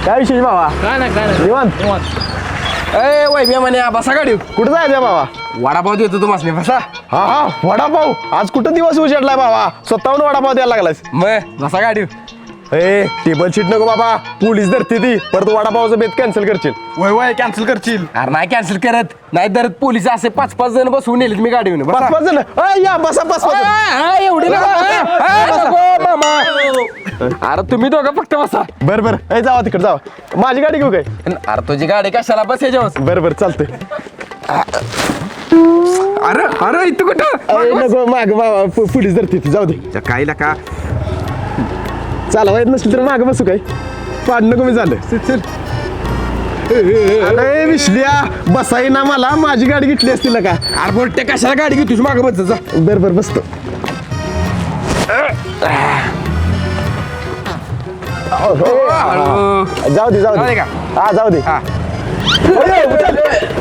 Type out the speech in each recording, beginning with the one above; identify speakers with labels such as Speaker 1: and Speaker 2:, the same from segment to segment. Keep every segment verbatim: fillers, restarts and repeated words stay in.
Speaker 1: काय विशेष बाबा?
Speaker 2: काय नाही काय नाही
Speaker 1: निवांत
Speaker 2: निवांत.
Speaker 3: ए वैभ्या म्हणे बसा गाडी
Speaker 1: कुठं जायचं बाबा?
Speaker 3: वडापाव देतो तुम्हाला बसा.
Speaker 1: हा हा वडापाव. आज कुठं दिवस उजेडलाय बाबा, स्वतःहून वडापाव द्यायला लागलास.
Speaker 3: मग बसा गाडी.
Speaker 1: ए टेबल शीट नको बाबा, पोलीस धरते ती, परत वडापावचं बेत कॅन्सल करशील.
Speaker 3: वय वय कॅन्सल करशील. अरे नाही कॅन्सल करत नाही तर पोलीस असे पाच पाच जण बसवून नेलेत मी गाडीवर.
Speaker 1: पाच पाच जण अय, या बसा पाच पाच जण.
Speaker 3: एवढी मामा. अरे तुम्ही दोघं फक्त बसा.
Speaker 1: बर बर ए जावा तिकडे जावा, माझी गाडी घेऊ काय?
Speaker 3: अरे तुझी गाडी कशाला बस याच्यावर.
Speaker 1: बर बर चालतंय.
Speaker 3: अरे अरे इथं कुठं
Speaker 1: नको माग बाबा, पो- पोलीस धरते ती, जाऊ दे.
Speaker 3: काय का
Speaker 1: चालवा येत नसली तर माग बसू काय? पाडणं कमी झालं. चल. अरे विसल्या बसाई ना, मला माझी गाडी घेतली असती ना का?
Speaker 3: अरे बोलते कशाला गाडी घेऊ तुझी मागं बस जा.
Speaker 1: बर बर बसतो.
Speaker 3: हळू.
Speaker 1: जाऊ दे जाऊ
Speaker 3: जाऊ
Speaker 1: दे
Speaker 3: दे का?
Speaker 1: हा जाऊ दे.
Speaker 3: हा.
Speaker 1: अरे, उचल.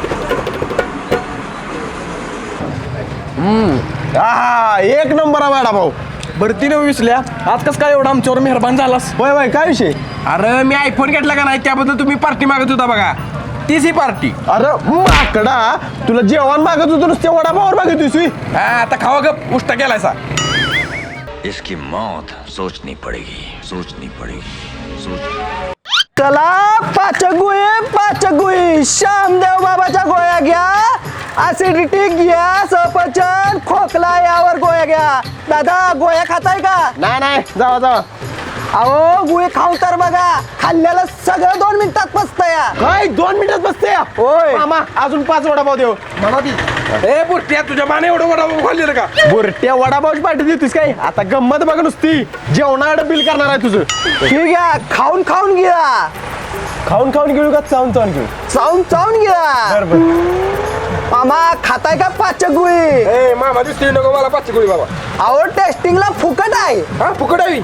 Speaker 1: हा एक नंबर आहे वडापाव.
Speaker 2: बरं तिने विसल्या आज कस काय एवढा आमच्यावर मेहरबान झालास?
Speaker 1: होय होय काय विषय?
Speaker 3: अरे मी आयफोन घेतला का नाही त्याबद्दल तुम्ही पार्टी मागत होता बघा, तीच ही पार्टी.
Speaker 1: अरे माकडा, तुला जेवण मागत होतो नुसते वडापावर मागत होती.
Speaker 3: हा आता खावा गप उष्टा केलायसा.
Speaker 4: इसकी मौत सोचनी पड़ेगी सोचनी पड़ेगी सोच.
Speaker 5: चला पाच गुळी पाच गुळी श्यामदेव बाबाच्या गोळ्या घ्या, ऍसिडिटी घ्या, सफरचंद खोकला यावर गोळ्या घ्या. दादा गोळ्या खाताय का?
Speaker 1: नाही नाही जावा जावा.
Speaker 5: अहो गुळी खाऊ तर बघा, खाल्ल्याला सगळं दोन मिनिटात पचतंय.
Speaker 1: काय दोन मिनिटात बसते या?
Speaker 5: होय.
Speaker 1: मामा अजून पाच वडापाव देऊ.
Speaker 3: ए बुट्ट्या तुझ्या माने एवढं वडापाव खाल्लेलं का?
Speaker 1: बुरट्या वडापावची पार्टी देतोस काय? आता गंमत बघ नुसती, जेवणाकडे बिल करणार आहे तुझं.
Speaker 5: ठीक आहे, खाऊन खाऊन घ्या,
Speaker 1: खाऊन खाऊन घेऊ का चावून चावून घेऊ?
Speaker 5: चावून चावून घ्या.
Speaker 1: बर बर.
Speaker 5: मामा खाताय का पाच गुळी?
Speaker 3: ए मामा दिसतोय नको मला पाच गोळी बाबा.
Speaker 5: अहो टेस्टिंगला फुकट आहे.
Speaker 3: हा फुकट आहे.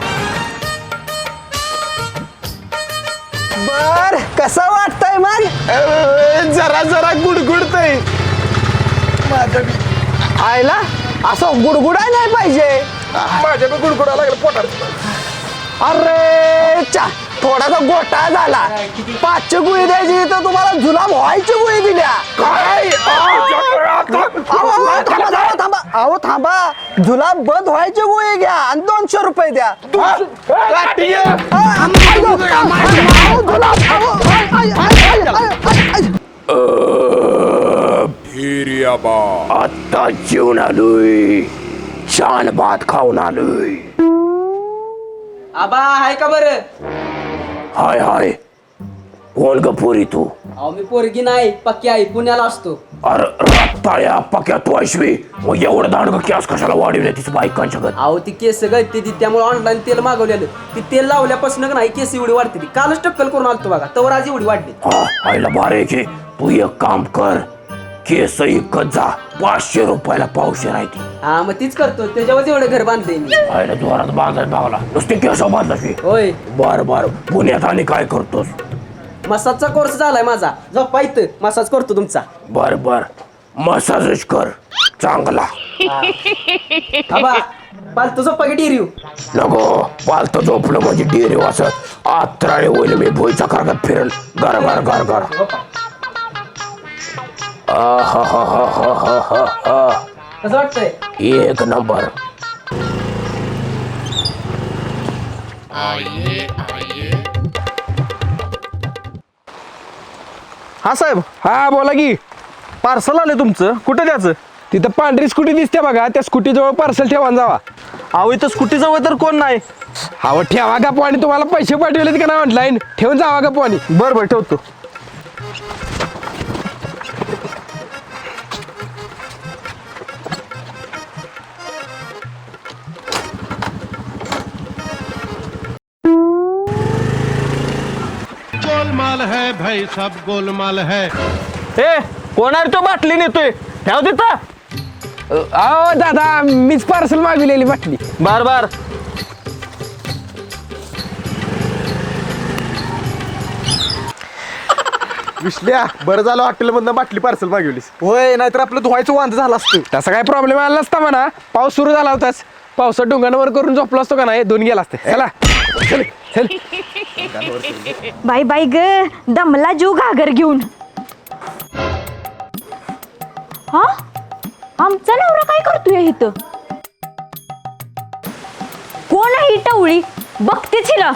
Speaker 5: बर कसं वाटतंय मग?
Speaker 1: अ, जरा जरा गुडगुडतय.
Speaker 5: आयला असं गुडगुडाय नाही पाहिजे.
Speaker 3: माझ्या पण गुडगुडा लागला पोटात.
Speaker 5: अरे चा थोडासा गोटा झाला. पाचशे गुळी द्यायची तर तुम्हाला जुलाब व्हायची गुळी दिल्या.
Speaker 3: काय
Speaker 5: अहो, अहो, थांबा थांबा थांबा अहो थांबा, जुलाब बंद व्हायची गुळी घ्या आणि दोनशे रुपये द्या.
Speaker 1: काठी आहे.
Speaker 5: अ, अयो, अहो, जुलाब, अहो, आय, आय, आय, आय, आय, आय.
Speaker 6: आता जेवण आलोय, छान भात खाऊन आलोय.
Speaker 7: आबा आहे का बरं?
Speaker 6: हाय हाय, कोण ग पोरी तू?
Speaker 7: अहो मी पोरगी नाही, पक्की आई, पुण्याला असतो.
Speaker 6: अरे रत्ताळ्या पक्या तू ऐशवी, मग एवढं दांडग केस कशाला वाढवले तिचं बायकांच्या गत?
Speaker 7: अहो ती केस गळते ती, त्यामुळे ऑनलाईन तेल मागवलेलं. ती तेल लावल्यापासून का नाही केस एवढी वाढते ती. कालच टक्कल करून आलतो बघा, तवर आज एवढी वाढली.
Speaker 6: हा आईला बारे की तू एक काम कर, केस इकत जा, पाचशे रुपयाला पावशे राहते.
Speaker 7: हा मग तीच करतो, त्याच्यावर एवढं घर बांधते मी.
Speaker 6: आईला जोरात बांधायला भावला, नुसते केस बांधला.
Speaker 7: होय,
Speaker 6: बर बर, पुण्यात आणि काय करतोस?
Speaker 7: मसाजचा कोर्स झालाय माझा. झोपा इथं, मसाज करतो तुमचा.
Speaker 6: बर बर, मसाजच कर चांगला.
Speaker 7: आबा पालतो झोपा की डिरिव?
Speaker 6: नको, पालत झोपलं म्हणजे डेरे वाचत आत्राळे होईल. मी भोईचा कारगात फिरल गार गार गार गार.
Speaker 7: कसं वाटतंय?
Speaker 6: एक नंबर.
Speaker 1: हा साहेब,
Speaker 3: हा बोला की.
Speaker 1: पार्सल आले तुमचं, कुठं द्यायचं?
Speaker 3: तिथं पांढरी स्कूटी दिसते बघा, त्या स्कूटी जवळ पार्सल ठेवा आणि जावा.
Speaker 1: अहो इथं स्कूटी जवळ तर कोण नाही.
Speaker 3: हवं ठेवा का पाणी, तुम्हाला पैसे पाठवलेत का नाही ऑनलाईन, ठेवून जावा का पाणी.
Speaker 1: बर बर ठेवतो.
Speaker 8: गोलमाल है भाई, सब गोलमाल है.
Speaker 1: ए कोण आहे तो बाटली नेतोय? ठेव तिथं.
Speaker 3: अहो दादा मीच पार्सल मागवलेली बाटली.
Speaker 1: बार बार. विसल्या बरं झालं हॉटेलमधनं बाटली पार्सल मागवलीस.
Speaker 2: होय, नाहीतर आपलं धुवायचं वांद झालं असतं.
Speaker 3: तसा काय प्रॉब्लेम आला नसता म्हणा, पाऊस सुरू झाला होताच. पावसात डोंगांवर करून झोपला असतो का नाही, दोन गेला असते. चला चल
Speaker 9: बाई बाई ग दमला जीव घागर घेऊन. हा आमचा नवरा काय करतोय इथं? कोण आहे ही टवळी? बघतेच हिला.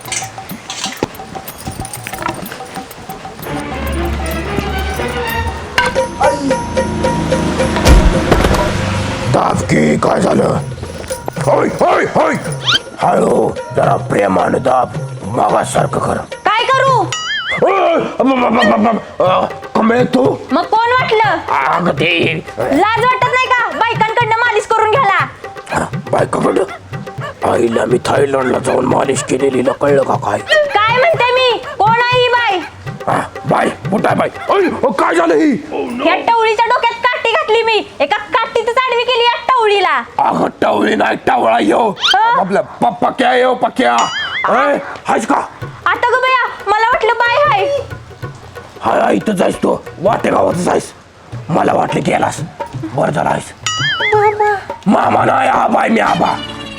Speaker 6: दाब की काय झालं? होय होय होय हळू जरा प्रेमानं दाब मागासारखं कर.
Speaker 9: काय करू?
Speaker 6: कमळे तू
Speaker 9: मग कोण वाटलं?
Speaker 6: अगं ते
Speaker 9: लाज वाटत नाही का बायकांकडनं मालिश करून घ्याला?
Speaker 6: बायकाकडं आईला मी थायलंडला जाऊन मालिश केलेली कळलं का काय?
Speaker 9: काय म्हणते मी? कोण आहे ही बाई?
Speaker 6: हा, बाय कुठं आहे बाय? अय, अ, काय झालं ही?
Speaker 9: या टवळीच्या डोक्यात काठी घातली मी. एका काठीतच आडवी केली या टवळीला.
Speaker 6: अगं टवळी नाही टावळा येऊ आपलं पप्पा क्या येऊ पक्या हायच का?
Speaker 9: आता ग बया मला वाटलं बाय हाय.
Speaker 6: हाय इथं जायस तू वाटे गावात जायस. मला वाटलं गेलास बरं झालं आहेस. मामा नाही आबाय मी आबा.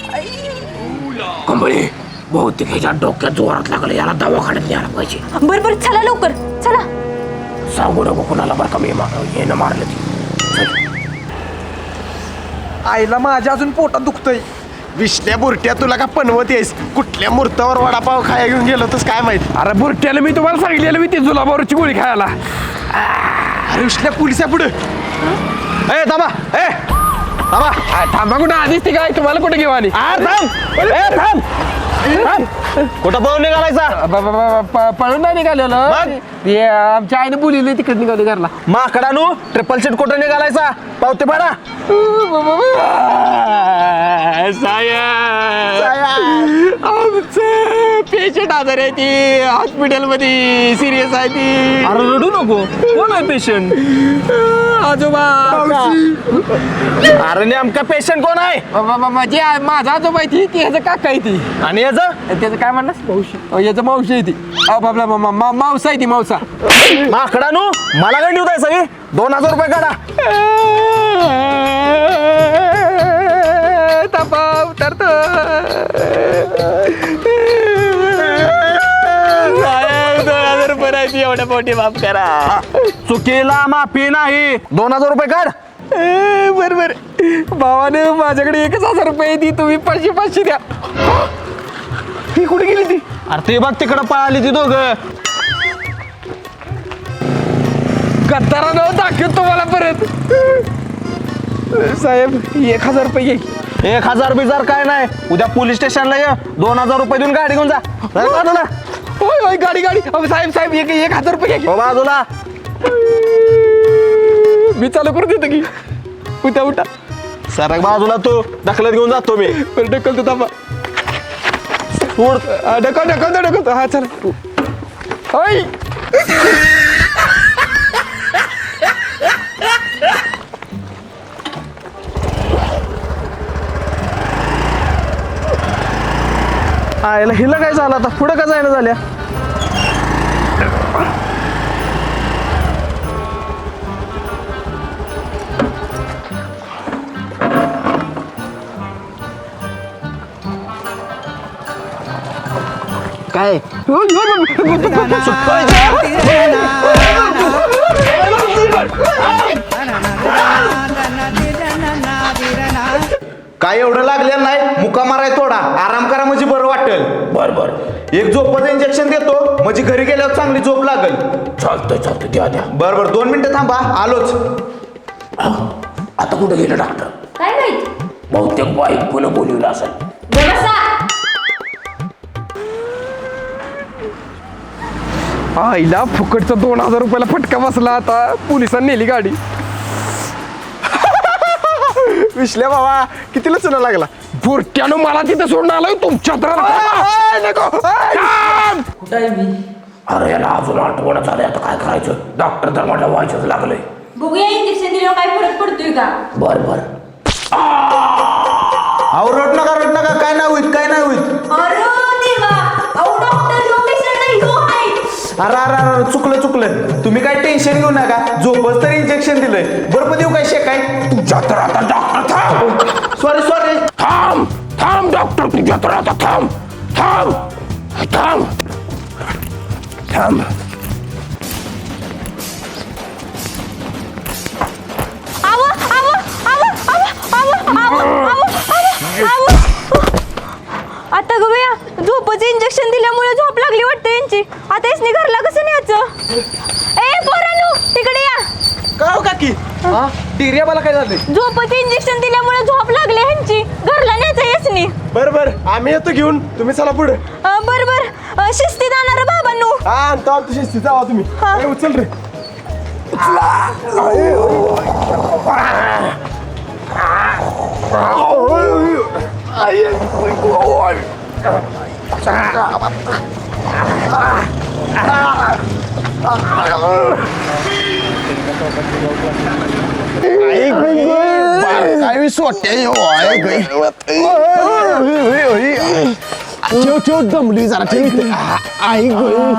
Speaker 6: कंबळी बहुतेक ह्याच्या डोक्यात जोरात लागलं याला दवाखान्यात न्यायला पाहिजे.
Speaker 9: बर बर चला लवकर चला.
Speaker 6: सांगू नको कुणाला बरं का मी येणं मारलं ती.
Speaker 2: आईला माझ्या अजून पोटात दुखतंय.
Speaker 1: विष्ण्या बुरट्या तुला का पनवत येस? कुठल्या मुहूर्तावर वडापाव खाया घेऊन गेलो तस काय माहित?
Speaker 3: अरे बुरट्याला मी तुम्हाला सांगितलेलं मी ती जुलाबावरची गोळी खायला.
Speaker 1: अरे विष्ण्या पोलिसा पुढे. ए थांबा ए थांबा.
Speaker 3: आ, थांबा कुठं आधीच ती काय तुम्हाला कुठे घेऊ आली?
Speaker 1: अरे थांब ए थांब थांब. कुठं पळून निघालायचा?
Speaker 3: ब- ब- ब- प- पळून नाही निघालेलं
Speaker 1: मग?
Speaker 3: ते आमच्या आईने बोलिले तिकडे निघाले घरला.
Speaker 1: माकडानू ट्रिपल सीट कुठं निघालायचा? पावते पाडा.
Speaker 3: आमचं पेशंट आजार आहे ती हॉस्पिटल मध्ये सिरियस आहे ती.
Speaker 2: अरे रडू नको. कोण आहे पेशंट?
Speaker 3: आजोबा
Speaker 1: अरे नेमका पेशंट कोण आहे?
Speaker 3: ब- ब- ब- म्हणजे आ- माझा आजोबा आहे ती ती ह्याचं काका आहे ती.
Speaker 1: आणि याचं
Speaker 3: त्याचं काय म्हणणार मावशी याचं मावशी आहे ती. अहो बाबला मा- मा- मा- मावसा आहे ती मावसा.
Speaker 1: माकडानू मला काय देऊ सगळी? दोन हजार रुपये काढा.
Speaker 3: तपा उतरतो. दोन हजार रुपये राहायची एवढ्या पोटी माफ करा.
Speaker 1: चुकीला माफी नाही. दोन हजार रुपये काढ.
Speaker 3: बर बर भावाने माझ्याकडे एकच हजार रुपये दी तुम्ही पाचशे पाचशे द्या. ही कुठे गेली ती?
Speaker 1: अरे ते बघ तिकडं पळाली ती दोघं.
Speaker 3: गद्दारा नाव दाखवत तुम्हाला परत. साहेब एक हजार रुपये घे.
Speaker 1: एक हजार बिजार काय नाही. उद्या पोलीस स्टेशनला ये. दोन हजार रुपये देऊन गाडी घेऊन जा. जा बाजूला.
Speaker 3: होय होय गाडी गाडी अहो साहेब साहेब एक एक हजार रुपये घ्या.
Speaker 1: हो बाजूला.
Speaker 3: मी चालू करून देतो की. उठा उठा.
Speaker 1: सरक बाजूला तू. दखलत घेऊन जातो मी.
Speaker 3: बरं ढकलतो थांबा.
Speaker 1: सोड.
Speaker 3: हा, ढकल ढकलतो ढकलतो हा चला. होय
Speaker 1: आयला हिला काय झालं आता? पुढं का जायला झाल्या? काय
Speaker 5: काय एवढं लागलेलं नाही. मुका माराय थोडा आराम करा म्हणजे बरं वाटेल.
Speaker 6: बर बर
Speaker 5: एक झोपाचं इंजेक्शन देतो म्हणजे घरी गेल्यावर चांगली झोप लागेल.
Speaker 6: चालतंय चालतंय द्या द्या.
Speaker 5: बरं बरं दोन मिनिटं थांबा आलोच.
Speaker 6: आता कुठं गेलं डॉक्टर?
Speaker 9: काय माहित?
Speaker 6: बहुतेक बायकोनं बोलवलं असेल.
Speaker 9: बसा.
Speaker 3: आईला फुकटचा दोन हजार रुपयाला फटका बसला. आता पोलिसांनी नेली गाडी.
Speaker 1: विश्ल्या बाबा कितीला चुना लागला?
Speaker 3: बुरट्यानं मला तिथं सोडून आलोय तुमच्या तर.
Speaker 7: कुठं आहे मी?
Speaker 6: अरे याला अजून आठवण झालंय आता काय करायचं? डॉक्टर तर मला व्हायचंच लागलंय.
Speaker 9: बघूया इंजेक्शन दिल्यावर काय फरक पडतोय का?
Speaker 6: बर बर
Speaker 5: अहो रड नका रड नका. काय नाही होईत काय नाही होईत.
Speaker 9: अरे देवा अहो डॉक्टर ह्यो पेशंट नाही ह्यो आहे.
Speaker 5: अरे अरे अरे चुकलं चुकलं. तुम्ही काय टेन्शन घेऊ नका. झोपच तर इंजेक्शन दिलंय. बरं देऊ काय शेकाय?
Speaker 6: तुझ्या तर आता डॉक्टर थांब.
Speaker 5: Sorry sorry.
Speaker 6: थांब थांब डॉक्टर तुझ्या तर आता थांब थांब. थांब थांब
Speaker 9: आव आव आव आव आव आव आव आव आता ग बया झोपचं इंजेक्शन दिल्यामुळे झोप लागली वाटतं यांची. आता यासनी घरला कसं न्यायचं? ए पोरांनो तिकडे या.
Speaker 3: काय काकी हा डिरिया मला काय झालंय?
Speaker 9: झोपचं इंजेक्शन दिल्यामुळे झोप लागली ह्यांची. घरला न्यायचं यासनी.
Speaker 3: बर बर आम्ही येतो घेऊन तुम्ही चला पुढे.
Speaker 9: अं, बर बर अं, शिस्तीत आणणार बाबांनो.
Speaker 3: हा आणतो आणतो शिस्तीत जावा तुम्ही.
Speaker 9: हा.
Speaker 3: ए, उचल रे.
Speaker 6: काय सोट्या ठेव ठेव दमली जरा ठेव आई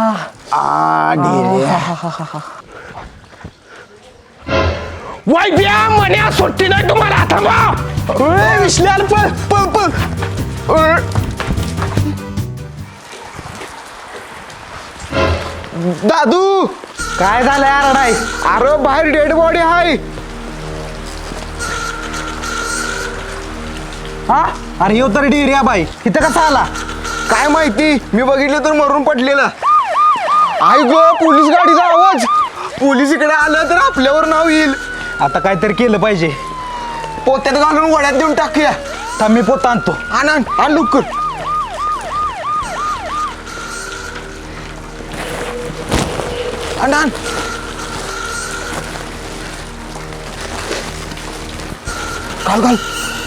Speaker 6: वाय बिया म्हण्या सुट्टी नाही तुम्हाला थांबा विसल्याला पळ पळ पळ दादू
Speaker 5: काय झालंय आरडाय?
Speaker 6: अरे बाहेर डेड बॉडी आहे.
Speaker 5: हा अरे येऊ तर डिरिया बाई इथं कसा आला?
Speaker 6: काय माहिती मी बघितलं तर मरून पडलेला. आई गो पोलीस गाडीचा आवाज. पोलीस इकडे आलं तर आपल्यावर नाव येईल.
Speaker 5: आता काहीतरी केलं पाहिजे.
Speaker 6: पोत्यात घालून वड्यात देऊन टाकूया.
Speaker 5: थांब मी पोत आणतो.
Speaker 6: आण आण आण लवकर. आण आण घाल घाल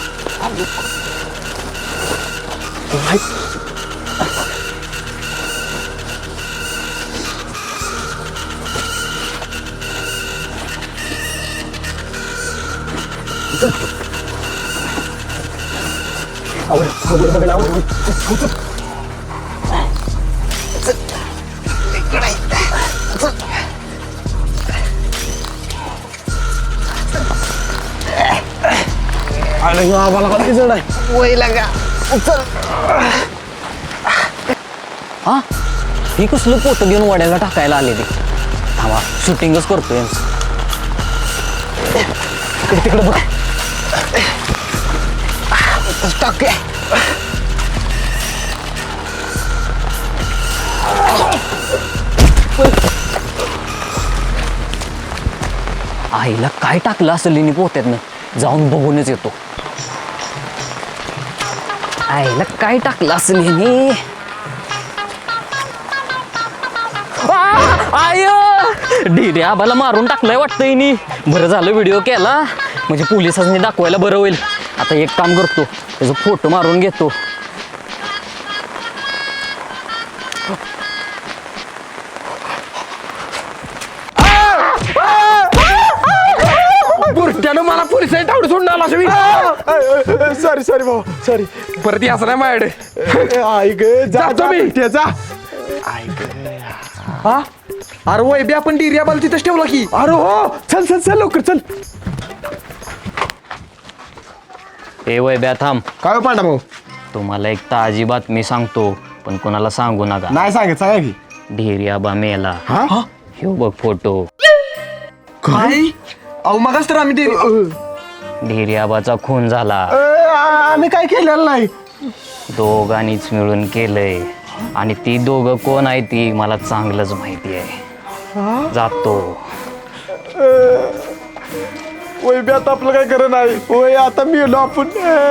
Speaker 7: हा ही कसलं पोतं घेऊन वड्याला टाकायला आले ते. थांबा शूटिंगच करतोय यांचं.
Speaker 5: तिकडे तिकडे बघ.
Speaker 6: टाक
Speaker 7: आईला काय टाकलं असेल हिने पोत्यातनं जाऊन बघूनच येतो. आईला काय टाकलं असेल हिने. आय ढिरे आबाला मारून टाकलंय वाटतं हिने. बरं झालं व्हिडिओ केला म्हणजे पोलिसांनी दाखवायला बरं होईल. आता एक काम करतो त्याचा फोटो मारून घेतो.
Speaker 6: बुरट्यानं मला पोलिसांनी तावड सोडून आला असं.
Speaker 3: सॉरी सॉरी भाऊ सॉरी.
Speaker 6: परत याच नाही माझ्याकडे.
Speaker 3: आई ग
Speaker 6: जातो मी.
Speaker 3: त्याचा हा अरे वय बी आपण डिरिया बाल तिथंच ठेवला की. अरे हो चल चल चल लवकर चल.
Speaker 7: ए वय ब्या थांब.
Speaker 3: काय पांडा भाऊ?
Speaker 7: तुम्हाला एक ताजी बातमी सांगतो पण कोणाला सांगू नका.
Speaker 3: नाही सांगत सांगा की.
Speaker 7: ढेरी आबा मेला.
Speaker 3: हा
Speaker 7: ह्यो बघ फोटो.
Speaker 3: काय अहो मगाच तर आम्ही
Speaker 7: ढेरी आबाचा खून झाला.
Speaker 3: आम्ही काय केलेलं नाही.
Speaker 7: दोघांनीच मिळून केलंय आणि ती दोघं कोण आहे ती मला चांगलंच माहिती आहे. जातो.
Speaker 3: वय बी आता आपलं काय खरं नाही. वय आता मेलो आपण.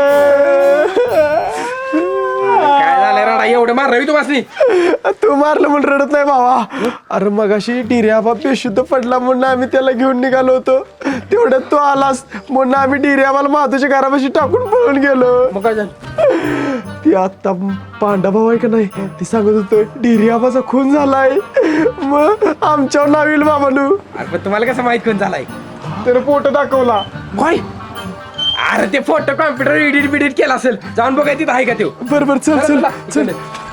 Speaker 6: काय झालं राडा एवढं मारलं तू वाचली.
Speaker 3: तू मारलं म्हणून रडत नाही भावा. अरे मगाशी डिर्या बाप बेशुद्ध पडला म्हणून आम्ही त्याला घेऊन निघालो होतो. तेवढ्यात तू आलास म्हणून आम्ही डिर्याबाला माधूच्या घरापाशी टाकून पळून गेलो.
Speaker 6: मग काय झालं?
Speaker 3: ती आता पांडा भाऊ आहे का नाही ती सांगत होतो डिर्याबाचा खून झालाय. मग आमच्यावर नाव येईल बाबानू.
Speaker 6: अरे तुम्हाला कसं माहित कोण झालाय?
Speaker 3: त्यानं फोटो दाखवला.
Speaker 6: काय? अरे ते फोटो कॉम्प्युटर एडिट बिडिट केला असेल. जाऊन बघाय तिथं आहे का ते.
Speaker 3: बरोबर चल चल चल.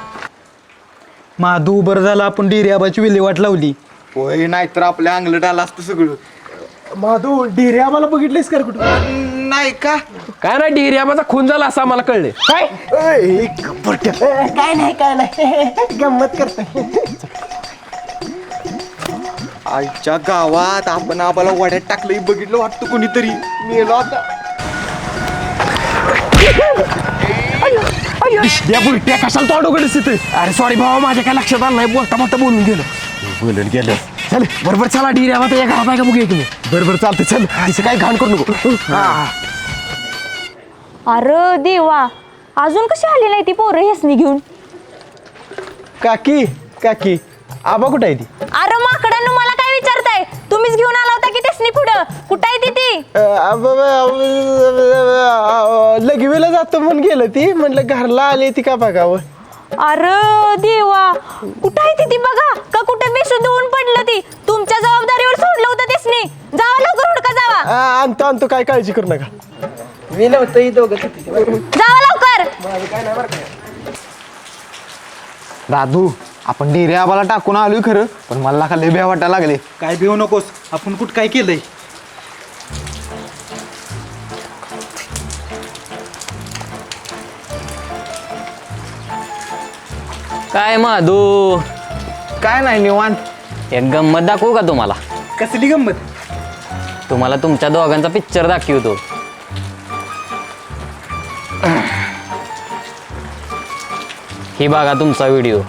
Speaker 5: माधू बरं झालं आपण डिर्याबाची विल्हेवाट लावली.
Speaker 1: होय नाहीतर आपल्या अंगलट आला असतं सगळं.
Speaker 3: माधू डिर्याबाला बघितलेस का कुठं?
Speaker 1: नाही का
Speaker 2: काय नाही डिर्याबाचा खून झाला असं आम्हाला कळले काय
Speaker 3: काय नाही काय नाही गंमत करतोय. आईच्या गावात आपण आम्हाला वाड्यात टाकलं बघितलं वाटतं कोणीतरी मेलो आता.
Speaker 2: या बुलट्या कशाला तोंड उघडच तिथे अरे सॉरी भावा माझ्या काय लक्षात आलं नाही बोलता बोलता बोलून गेलं
Speaker 3: बोलून गेलं.
Speaker 2: चल बरोबर चला डिर्याबा या घरात आहे का बघूया तुम्ही
Speaker 3: बरोबर चालतं चल तिचं काय घाण करू नको.
Speaker 9: अरे देवा अजून कशी आली नाही ती पोरं हेसनी घेऊन.
Speaker 3: काकी काकी आबा कुठं आहे ती?
Speaker 9: अरे माकडांनो मला काय विचारताय तुम्हीच घेऊन आला होता की तेसनी पुढं कुठं आहे ती ती
Speaker 3: लगवीला जातो म्हणून गेलं ती म्हटलं घरला आली ती का बघावं.
Speaker 9: अरे देवा कुठं आहे ती ती बघा का कुठं बेशुद्ध होऊन पडलं ती तुमच्या जबाबदारीवर सोडलं होतं तेसनी जावा लवकर हुडका जावा.
Speaker 3: आ, आणतो आणतो काय काळजी करू नका.
Speaker 9: जावा लवकर.
Speaker 1: दादू आपण डिरे आबाला टाकून आलोय खरं पण मला का लय भ्या वाटायला लागले.
Speaker 5: काय भिवू नकोस आपण कुठं काय केलंय.
Speaker 7: काय माधू
Speaker 1: काय नाही निवांत.
Speaker 7: एक गंमत दाखवू का तुम्हाला?
Speaker 5: कसली गंमत.
Speaker 7: तुम्हाला तुमच्या दोघांचा पिक्चर दाखवतो. ही बघा तुमचा व्हिडिओ.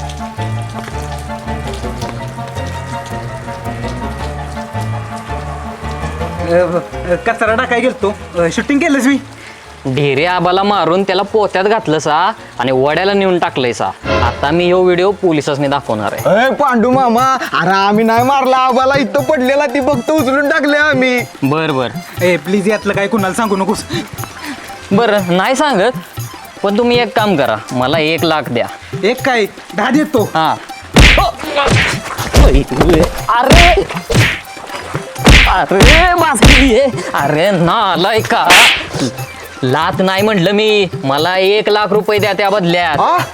Speaker 5: कचरा टाकाय गेलतो शूटिंग केलंच मी.
Speaker 7: ढेरे आबाला मारून त्याला पोत्यात घातलं सा आणि वड्याला नेऊन टाकलंय सा. आता मी ह्यो व्हिडिओ पोलिसांनी दाखवणार आहे.
Speaker 1: अय पांडू मामा अरे आम्ही नाही मारला आबाला इथं पडलेला ती फक्त उचलून टाकले आम्ही.
Speaker 7: बर बर
Speaker 5: ए प्लीज यातलं काय कुणाला सांगू नकोस.
Speaker 7: बरं नाही सांगत पण तुम्ही एक काम करा मला एक लाख द्या.
Speaker 5: एक काय दहा देतो.
Speaker 7: हा अरे अरे बासकी अरे नालाय का लात नाही म्हटलं मी मला एक लाख रुपये द्या त्या बदल्यात.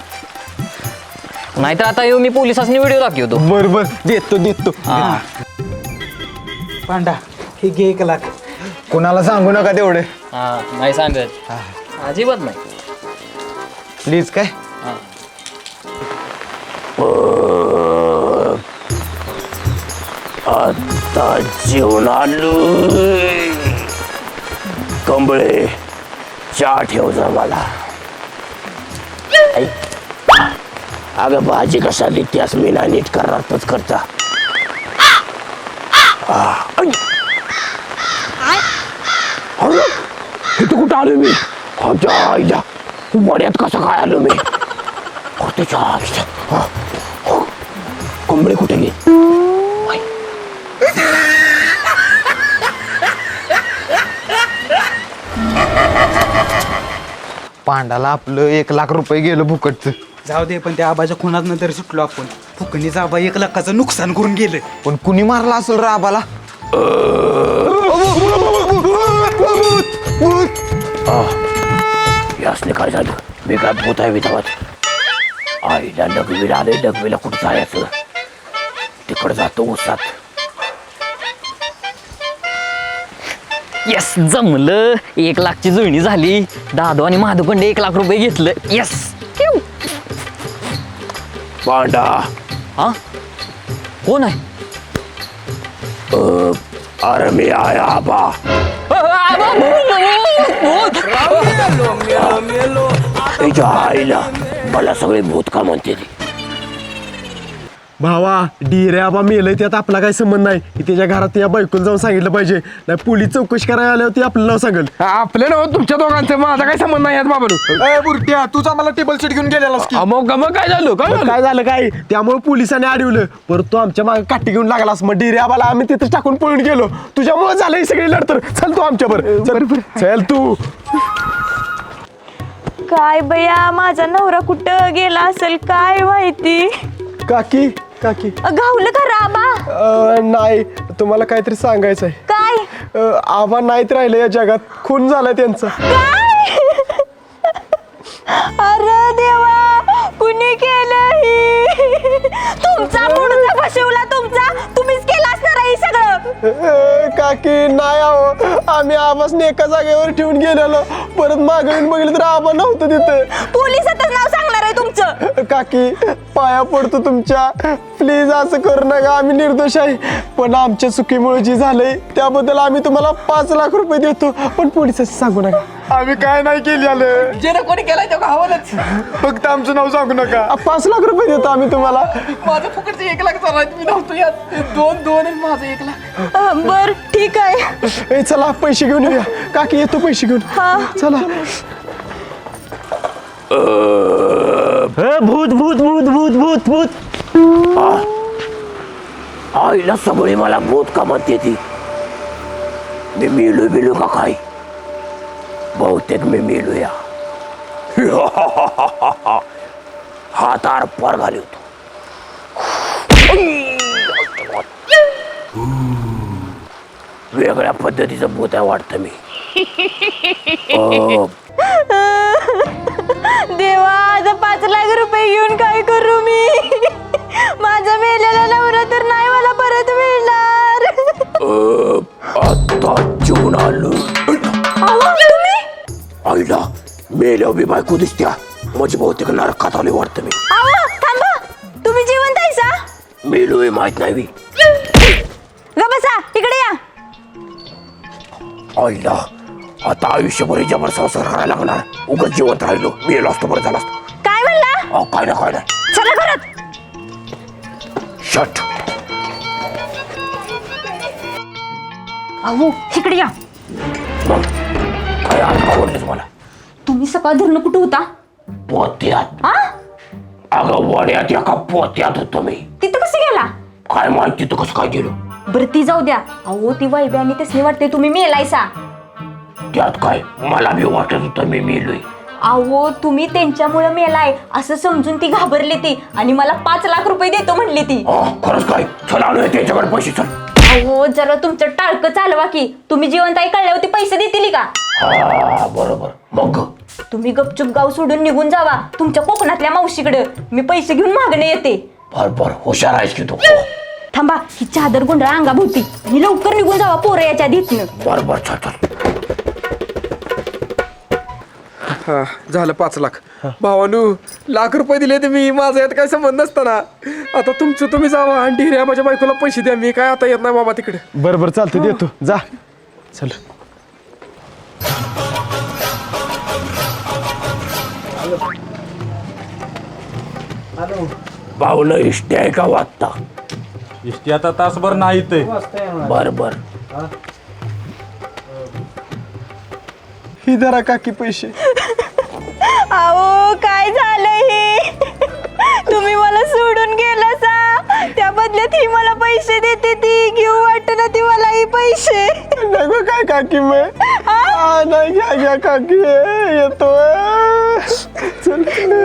Speaker 7: नाहीतर आता येऊ मी पोलिसांनी व्हिडिओ दाखवतो.
Speaker 1: बर बर देतो देतो.
Speaker 7: हा
Speaker 5: पांडा हे घे एक लाख.
Speaker 1: कोणाला सांगू नका तेवढे
Speaker 7: हा नाही सांगत अजिबात नाही.
Speaker 1: प्लीज काय.
Speaker 6: आता जेवण आलो कंबळे चहा ठेव जा मला. ऐक, अगं भाजी कशा देतेस मी ना नीट करणारच करता. इथं कुठं आलो मी अच्छा आईला वड्यात कसं काय आलो मी. त्याच्या कंबळे कुठे गे.
Speaker 1: पांडाला आपलं एक लाख रुपये गेलं फुकटचं.
Speaker 5: जाऊ दे पण त्या आबाच्या खुनात नंतर सुटलो आपण. फुकणीचा आबा एक लाखाचं नुकसान करून गेलं.
Speaker 1: पण कुणी मारला असेल रे आबाला.
Speaker 6: यासने काय झालं मी काय भूत आहे विधावात. आईला डगवीला आले डगवीला कुठं जायचं तिकडं जातो उसात.
Speaker 7: येस जमलं एक लाखची जुळणी झाली. दादू आणि माधवकडे एक लाख रुपये घेतलं. येस
Speaker 6: पांडा
Speaker 7: हा कोण आहे.
Speaker 6: अरे मी आहे आबा. त्याच्या आईला मला सगळे भूत का म्हणते ती.
Speaker 3: भावा डिरे आबा मेलय त्यात आपला काही संबंध नाही. त्याच्या घरात त्या बायकोला जाऊन सांगितलं पाहिजे नाही पोलीस चौकशी करायला आल्यावर ती आपलं नाव सांगेल.
Speaker 2: आपलं ना तुमच्या दोघांचं माझा काय संबंध नाही बाबा.
Speaker 3: बुरट्या तूच आम्हाला टेबल सीट घेऊन गेलेलास की.
Speaker 2: मग मग काय झालं काय झालं
Speaker 3: काय झालं काय त्यामुळे पोलिसांनी अडवलं परत तू आमच्या मागे काठी घेऊन लागलास. मग डिरे आबाला आम्ही तिथं टाकून पळून गेलो. तुझ्यामुळे झालं ही सगळी लढतर. चल तू आमच्या बरोबर चल तू.
Speaker 9: काय बया माझा नवरा कुठं गेला असेल काय माहिती.
Speaker 3: काकी काकी
Speaker 9: गावलं का राबा.
Speaker 3: अ, नाही तुम्हाला काहीतरी सांगायचं आहे.
Speaker 9: काय
Speaker 3: अ, आबा नाहीत राहिले या जगात. खून झालाय त्यांचा.
Speaker 9: काय अरे देवा कुणी केलं ही. तुमचा मुडदा फसवला तुमचा तुम्हीच केला असणार हे सगळं.
Speaker 3: ए, काकी नाही आहो आम्ही आबासने एका जागेवर ठेवून गेलेलो परत मागे येऊन बघितलं तर आबा नव्हतं तिथं.
Speaker 9: पोलिसातच नाव सांगणार आहे तुमचं.
Speaker 3: काकी पाया पडतो तुमच्या प्लीज असं करू नका आम्ही निर्दोष आहे पण आमच्या चुकीमुळे जे झालंय त्याबद्दल आम्ही तुम्हाला पाच लाख रुपये देतो पण पोलिसांचं सांगू नका. आम्ही काय नाही केलं झालं
Speaker 2: जे कोणी केलाय तो गावालाच.
Speaker 3: फक्त आमचं नाव सांगू नका. पाच लाख रुपये देतो आम्ही तुम्हाला.
Speaker 2: माझं फुकटचं एक लाख चालू मी नव्हतो यात दोन दोन आणि माझं एक लाख.
Speaker 9: अं, बर ठीक आहे.
Speaker 3: ए चला पैसे घेऊन येऊया काकी येतो पैसे घेऊन.
Speaker 9: हा.
Speaker 3: चला.
Speaker 5: भूत भूत भूत भूत भूत भूत.
Speaker 6: आईला सगळी मला भूत का म्हणते ती. मी मेलो बिलो का काय बहुतेक मी मेलो या. हात आर पार घाली होतो. वेगळ्या पद्धतीचं भूत आहे वाटतं मी. अं,
Speaker 9: देवा आता पाच लाख रुपये घेऊन काय करू मी. माझा मेलेला नवरा तर नाही मला परत मिळणार.
Speaker 6: अं, आता जेवण आलो.
Speaker 9: अहो, तुम्ही
Speaker 6: आईला मेल्या बी बायको दिसत्या म्हणजे बहुतेक नरकात आले वाटतं मी.
Speaker 9: अहो थांबा तुम्ही जिवंत आहेसा.
Speaker 6: मेलोय माहित नाही बी.
Speaker 9: ग बसा इकडे या.
Speaker 6: आईला आता आयुष्यभर जबर संसार करायला लागणार. उगाच जिवंत राहिलो मेलो असतो बरं झालं असतं.
Speaker 9: काय म्हणला.
Speaker 6: अहो काय ना काय नाही.
Speaker 9: चला घरात.
Speaker 6: शट.
Speaker 9: अहो इकडे या.
Speaker 6: मग काय आज आवडलंच मला.
Speaker 9: तुम्ही सकाळ धरणं कुठं होता.
Speaker 6: पोत्यात.
Speaker 9: आ
Speaker 6: अगं वड्यात एका पोत्यात होतो मी.
Speaker 9: तिथं कसं गेला.
Speaker 6: काय माहिती तू कसं काय गेलो.
Speaker 9: बरं ती जाऊ द्या. अहो ती वैब्या आणि तसली वाटते तुम्ही मेलायसा.
Speaker 6: त्यात काय मला बी वाटत होतं मी मेलोय.
Speaker 9: अहो तुम्ही त्यांच्यामुळे मेलाय असं समजून ती घाबरली ती आणि मला पाच लाख रुपये देतो म्हणली ती.
Speaker 6: अं, खरंच काय चल आलोय त्याच्याकडे पैसे चल.
Speaker 9: अहो जरा तुमचं टाळकं चालवा की. तुम्ही जिवंत आहे कळल्यावर पैसे देतील का.
Speaker 6: हा बरोबर. मग
Speaker 9: तुम्ही गपचूप गाव सोडून निघून जावा तुमच्या कोकणातल्या मावशीकडे. मी पैसे घेऊन मागणे येते.
Speaker 6: बर बर हुशार आहेस की तू.
Speaker 9: थांबा ही चादर गुंडळा अंगाभोवती आणि लवकर निघून जावा पोरं याच्या धीतनं.
Speaker 6: बर बर चल चल.
Speaker 2: हा झालं पाच लाख. भावानू लाख रुपये दिले ते मी माझा यात काय संबंध नसताना. आता तुमचं तुम्ही जावा आणि ढिऱ्या माझ्या बायकोला पैसे द्या. मी काय आता येत नाही बाबा तिकडे.
Speaker 3: बरं बरं चालतं देतो जा. चल.
Speaker 6: भावनं इष्टे आहे का वाटता.
Speaker 1: इष्टी आता तासभर नाही ते.
Speaker 6: बर बर.
Speaker 3: ही धरा काकी पैसे.
Speaker 9: अहो काय झालं हे. तुम्ही मला सोडून गेला सा त्या बदल्यात ही मला पैसे देते ती घेऊ वाटत ना ती मला ही पैसे.
Speaker 3: नको काय काकी मग. आ, नाही घ्या घ्या काकी येतो. चल.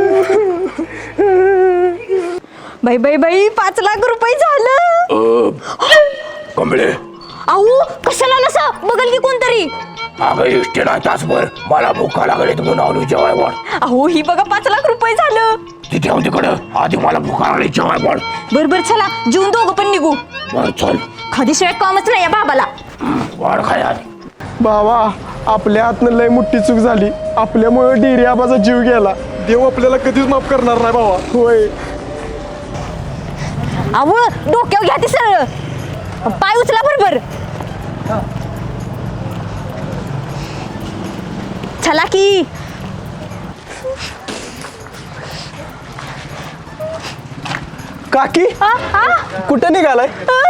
Speaker 9: बाई बाई बाई पाच लाख रुपये झालं.
Speaker 6: कमळे
Speaker 9: अहो कशाला नसा बघल की कोणतरी.
Speaker 6: अगं इष्टे नाही तासभर मला भूका लागले तर म्हणून आलो जेवाय वाढ.
Speaker 9: अहो ही बघा पाच लाख रुपये झालं.
Speaker 6: तिथे हो तिकडं आधी मला भूका लागली जेवाय वाढ.
Speaker 9: बर बर चला जेवून दोघं पण निघू.
Speaker 6: बर चल.
Speaker 9: खादीशिवाय कामच नाही या बाबाला.
Speaker 6: वाढ खाय आधी.
Speaker 3: बाबा आपल्या हातनं लय मोठी चूक झाली. आपल्यामुळे डिरी आबाचा जीव गेला. देव आपल्याला कधीच माफ करणार नाही बाबा. होय.
Speaker 9: अहो डोक्यावर घ्या ती सरळ. पाय उचला बरोबर. चला की.
Speaker 3: काकी
Speaker 9: आ, आ?
Speaker 3: कुठे निघालाय.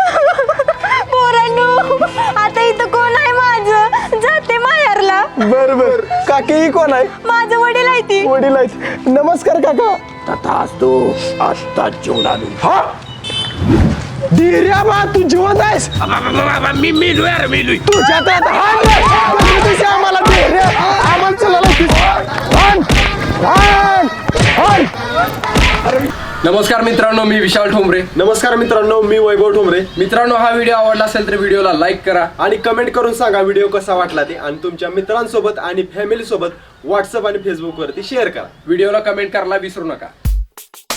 Speaker 9: पोरांनो आता इथं कोण आहे माझं. जाते माहेरला.
Speaker 3: बर बर. काकी ही कोण आहे.
Speaker 9: माझं वडील आहे ती.
Speaker 3: वडील आहेत. नमस्कार काका.
Speaker 6: तथाच तू आत्ता जेवण आलो.
Speaker 3: हा डिऱ्या बा तू जिवंत आहेस.
Speaker 6: मी मेलो यार मेलोय.
Speaker 3: तुझ्या तर हाण रे. तुझ्या आम्हाला डिऱ्या आम्हाला चला. हाण हाण हाण.
Speaker 2: नमस्कार मित्रांनो मी विशाल ठोंबरे.
Speaker 3: नमस्कार मित्रांनो मी वैभव ठोंबरे.
Speaker 2: मित्रांनो हा व्हिडिओ आवडला असेल तर व्हिडिओला लाईक करा
Speaker 3: आणि कमेंट करून सांगा व्हिडिओ कसा वाटला ते आणि तुमच्या मित्रांसोबत आणि फॅमिली सोबत व्हॉट्सअप आणि फेसबुक वरती शेअर करा.
Speaker 2: व्हिडिओला कमेंट करायला विसरू नका.